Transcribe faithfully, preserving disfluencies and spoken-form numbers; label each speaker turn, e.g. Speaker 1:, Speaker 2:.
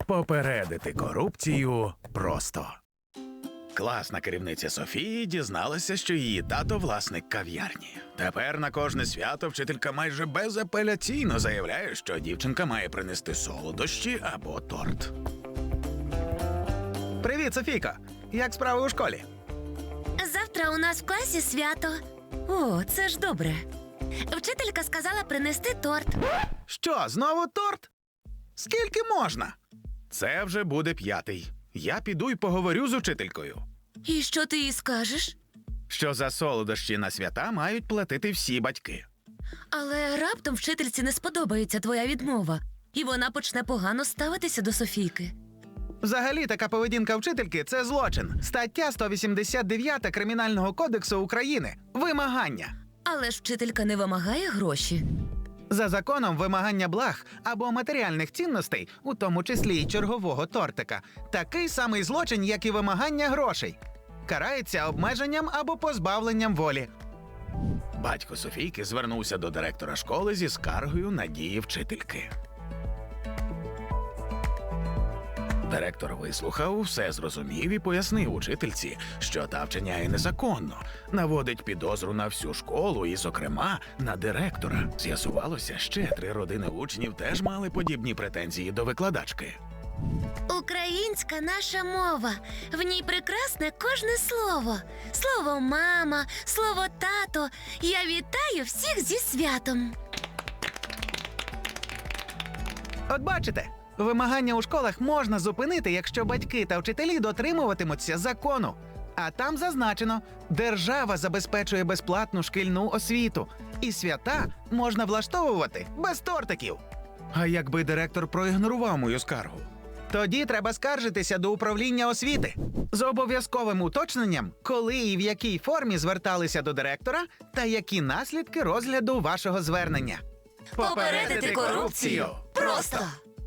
Speaker 1: Попередити корупцію просто. Класна керівниця Софії дізналася, що її тато – власник кав'ярні. Тепер на кожне свято вчителька майже безапеляційно заявляє, що дівчинка має принести солодощі або торт. Привіт, Софійко! Як справи у школі?
Speaker 2: Завтра у нас в класі свято. О, це ж добре. Вчителька сказала принести торт.
Speaker 1: Що, знову торт? Скільки можна? Це вже буде п'ятий. Я піду й поговорю з учителькою.
Speaker 2: І що ти їй скажеш?
Speaker 1: Що за солодощі на свята мають платити всі батьки.
Speaker 2: Але раптом вчительці не сподобається твоя відмова, і вона почне погано ставитися до Софійки.
Speaker 1: Взагалі, така поведінка вчительки – це злочин. Стаття сто вісімдесят дев'ять Кримінального кодексу України – вимагання.
Speaker 2: Але ж вчителька не вимагає гроші.
Speaker 1: За законом вимагання благ або матеріальних цінностей, у тому числі й чергового тортика, такий самий злочин, як і вимагання грошей. Карається обмеженням або позбавленням волі. Батько Софійки звернувся до директора школи зі скаргою на дії вчительки. Директор вислухав, все зрозумів і пояснив учительці, що та вчиняє незаконно, наводить підозру на всю школу і, зокрема, на директора. З'ясувалося, ще три родини учнів теж мали подібні претензії до викладачки.
Speaker 2: Українська наша мова. В ній прекрасне кожне слово. Слово «мама», слово «тато». Я вітаю всіх зі святом.
Speaker 1: От бачите, вимагання у школах можна зупинити, якщо батьки та вчителі дотримуватимуться закону. А там зазначено, держава забезпечує безплатну шкільну освіту. І свята можна влаштовувати без тортиків. А якби директор проігнорував мою скаргу? Тоді треба скаржитися до управління освіти з обов'язковим уточненням, коли і в якій формі зверталися до директора та які наслідки розгляду вашого звернення.
Speaker 2: Попередити корупцію просто!